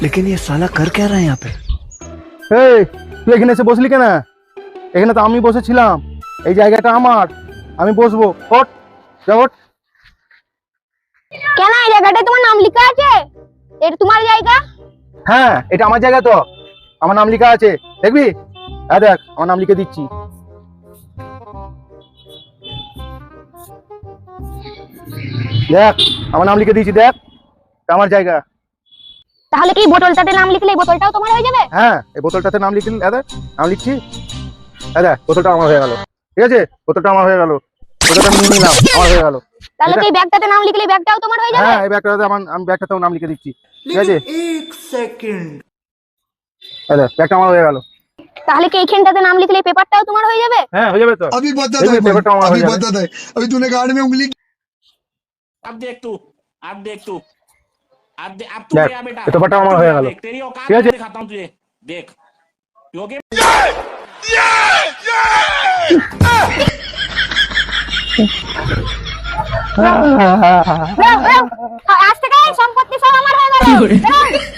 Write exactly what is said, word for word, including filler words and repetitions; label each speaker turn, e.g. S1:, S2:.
S1: लेकिन ये साला कर क्या रहा है यहाँ पे?
S2: এই তুই এখানে এসে বসলি কেন? এখানে তো আমি বসেছিলাম, এই জায়গাটা আমার, আমি বসবো। ওঠ, যা ওঠ।
S3: কেন এই জায়গাটায় তোমার নাম লেখা আছে? এটা তোমার জায়গা?
S2: হ্যাঁ, এটা আমার জায়গা তো, আমার নাম লেখা আছে, দেখবি? হ্যাঁ দেখ, আমার নাম লিখে দিচ্ছি। দেখ, আমার নাম লিখে দিয়েছি, দেখ, এটা আমার জায়গা।
S3: তাহলে কি বোতলটাতে নাম লিখলে এই বোতলটাও তোমার হয়ে যাবে?
S2: হ্যাঁ, এই বোতলটাতে নাম লিখলি, হ্যাঁ দেখ, নাম লিখছি, হ্যাঁ দেখ, বোতলটা আমার হয়ে গেল, ঠিক আছে? বোতলটা আমার হয়ে গেল, বোতলটা নিয়ে নিলাম, আমার হয়ে গেল।
S3: তাহলে কি এই ব্যাগটাতে নাম লিখলে এই ব্যাগটাও তোমার হয়ে যাবে?
S2: হ্যাঁ, এই ব্যাগটাতে আমার, আমি ব্যাগটাতেও নাম লিখে দিচ্ছি, ঠিক আছে?
S1: एक सेकंड।
S2: হ্যাঁ দেখ, ব্যাগটা আমার হয়ে গেল।
S3: তাহলে কি এইখানটাতে নাম লিখলে এই পেপারটাও তোমার হয়ে যাবে?
S2: হ্যাঁ, হয়ে যাবে তো।
S4: अभी बता
S2: देखो,
S4: दे
S2: ये पेपर तो हमारा
S4: अभी
S2: हो जाएगा।
S4: बता दे अभी तूने गार्ड में उंगली
S5: अब देख तू अब देख तू अब दे, अब तू
S2: देख,
S5: गया बेटा
S2: ये तो बटा
S5: अब
S2: हमारा
S5: तू
S2: हो
S5: गया,
S2: गया लो।
S5: देख, तेरी औकात
S2: ठीक है
S5: मैं
S2: जी?
S5: दिखाता हूँ तुझे देख योगी
S3: আজ থেকে এই সম্পত্তি সব আমার হয়ে গেল।